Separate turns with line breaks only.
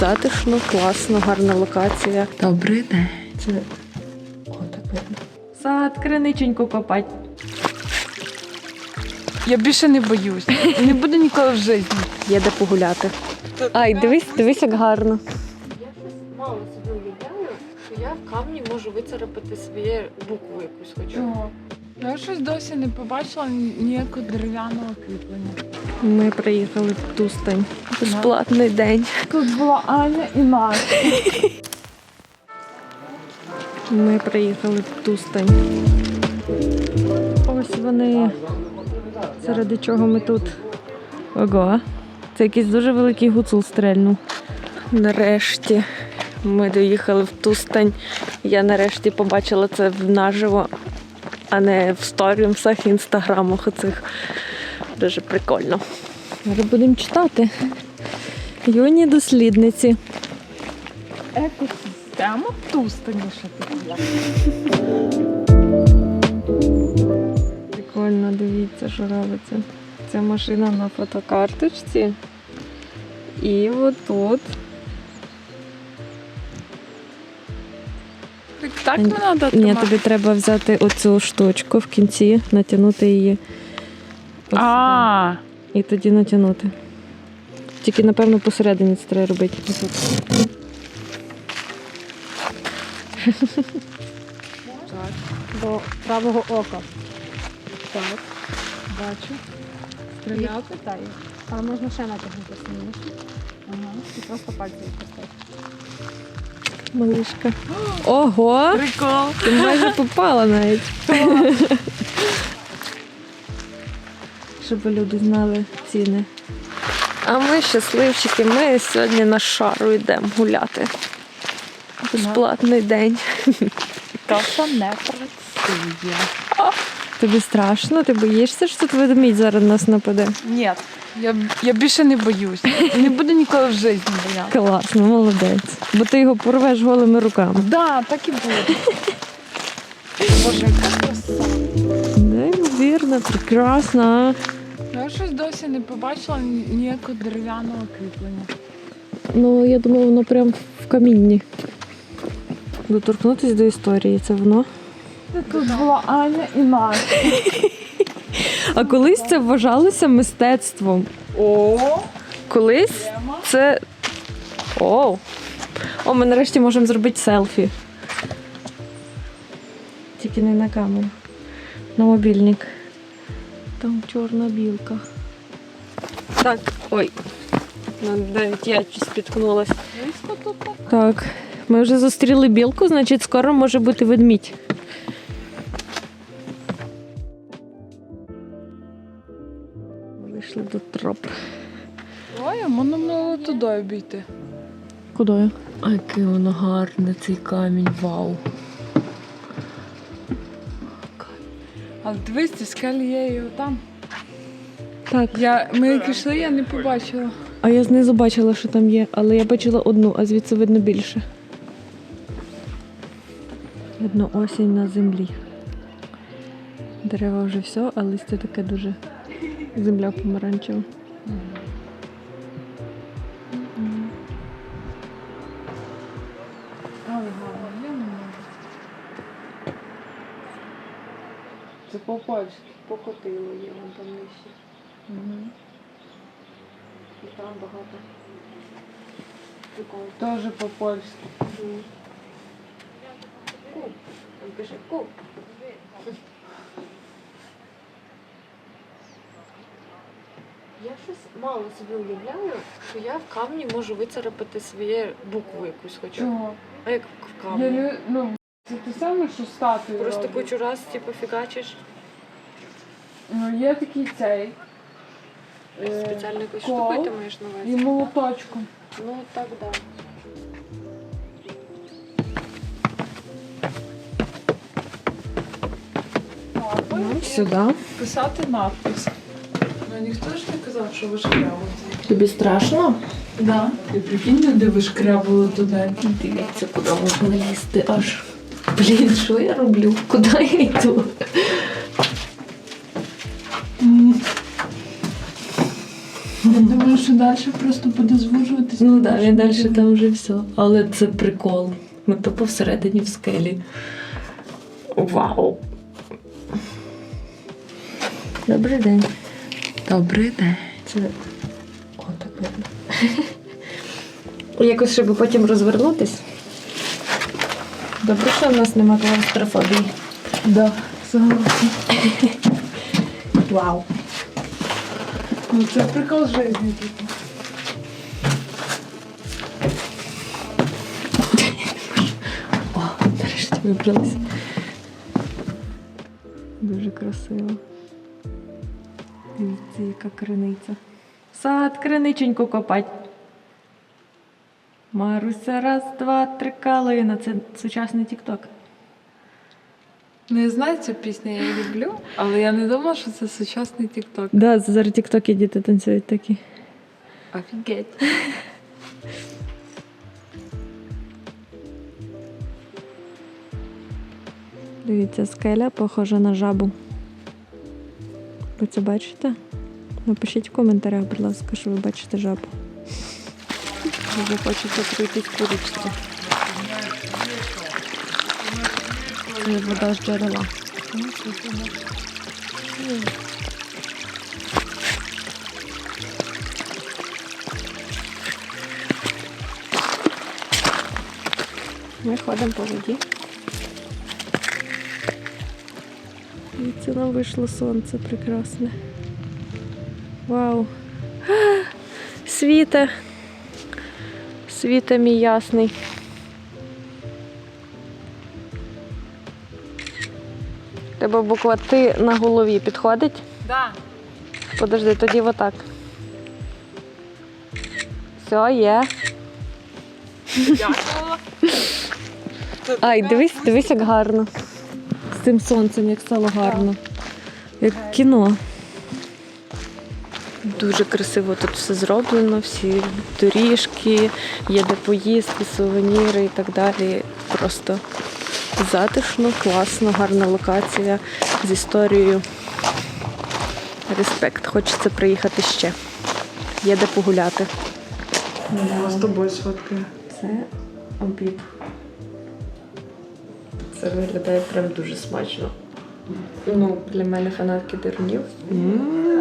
затишно, класно, гарна локація.
Добрий день.
Це так видно. Сад, криниченьку копать.
Я більше не боюсь. Не буду ніколи в житті.
Є де погуляти. Ай, дивись, як гарно.
Я щось мало собі уявляю, що я в камні можу вицарапати своє букву якусь хоча.
Чого? Я щось досі не побачила ніякого дерев'яного кріплення.
Ми приїхали в Тустань. Безплатний день.
Тут була Аня і Настя.
Ми приїхали в Тустань. Ось вони. Заради чого ми тут. Ого. Це якийсь дуже великий гуцул стрельнув. Нарешті ми доїхали в Тустань. Я нарешті побачила це наживо, а не в сторінсах, інстаграмах оцих. Дуже прикольно. Зараз будемо читати. Юні дослідниці.
Екосистема Тустаніша така.
Прикольно, дивіться, що робиться. Це машина на фотокарточці. І отут.
Так не треба
Ні,
тримати?
тобі треба взяти оцю штучку в кінці, натягнути її. Ось
А,
сюди. І тоді натягнути. Тільки, напевно, посередині це треба робити. Отут. До правого ока. Так. Бачу.
стріляти?
Так. Але можна ще натягнути сильніше. Ага. І просто пальці відпустити. Малишка. Ого!
Прикол.
Ти майже попала навіть. Щоб люди знали ціни. А ми щасливчики, ми сьогодні на шару йдемо гуляти. Безплатний день.
Каша не працює.
Тобі страшно? Ти боїшся, що тут ведмідь зараз нас нападе?
Ні, я більше не боюсь. Не буду ніколи в житті боятися.
Класно, молодець. Бо ти його порвеш голими руками.
Да, так і буде. Боже, яка краса.
Неймовірно, прекрасно.
Я щось досі не побачила ніякого дерев'яного кріплення.
Ну, я думаю, воно прям в камінні. Доторкнутися до історії, це воно.
Тут була Аня і Настя.
А колись це вважалося мистецтвом.
О,
Колись це... О, ми нарешті можемо зробити селфі. Тільки не на камеру. На мобільник. Там чорна білка. Так, ой. Навіть я щось спіткнулась. Так, ми вже зустріли білку, значить скоро може бути ведмідь. Вийшли до троп.
ой, можна було туди обійти.
Куди? А який воно гарний, цей камінь, вау.
Але дивись, ці скелі є і отам.
Так.
Ми як йшли, я не побачила.
А я знизу бачила, що там є, але я бачила одну, а звідси видно більше. Видно осінь на землі. Дерева вже все, а листя таке дуже... Земля помаранчева.
Але гарно, я не можу. Це по-польськи.
Покотило є, вон там нижче. І там багато. Прикольно.
Теж по-польськи.
Куб. Там пише куб. Я щось мало собі уявляю, що я в камні можу вицарапати своє букву якусь хоча.
Чого?
А як в камні?
Це те саме, що статую
Просто
роблять.
кучу раз, типу, фігачиш.
Ну, є такий цей.
Спеціально якусь
кол
штукою ти маєш на
і
увазі?
молоточком.
Ну, так, да.
Сюди.
Писати надпис. Ну, ніхто ж не казав, що вишкрябувати.
Тобі страшно?
Да. І прикинь, люди вишкрябували туди.
Дивіться, куди можна лізти аж. Блін, що я роблю? Куди я йду?
Я думаю, що далі просто буде звужуватися.
Ну так, він далі там вже все. Але це прикол. Ми тупо всередині в скелі. Вау! Добрий день.
Добрий день.
Це... О, так видно. Якось, щоб потім розвернутись. Добре, що в нас нема клаустрофобії.
Да, согласна.
Вау!
Ну це прикол життя.
О, нарешті вибрались. Дуже красиво. Дивіться, яка криниця. Сад, криниченьку копать. Маруся, раз, два, три, калина. Це сучасний тік-ток.
Ну, я знаю цю пісню, я її люблю, але я не думала, що це сучасний тік-ток.
Да, зараз тік-токи діти танцюють такі.
Офігеть.
Дивіться, скеля похожа на жабу. Ви це бачите? Напишіть в коментарях, будь ласка, що ви бачите жабу. Дуже хочеться пройтись по річці. Це вода з джерела. Ми ходимо по воді. І це нам вийшло сонце прекрасне. Вау! Світе! Світе мій ясний. Тебе буква Т на голові підходить?
Да.
Подожди, тоді отак. Все, є.
Дякую.
Ай, дивись, як гарно. З цим сонцем, як стало гарно. Як кіно. Дуже красиво тут все зроблено, всі доріжки, є де поїсти, сувеніри і так далі. Просто затишно, класно, гарна локація з історією. Респект. Хочеться приїхати ще. Є де погуляти.
Я з тобою сфоткаю.
Це обід. Це виглядає прям дуже смачно. Ну, для мене фанатки дерунів.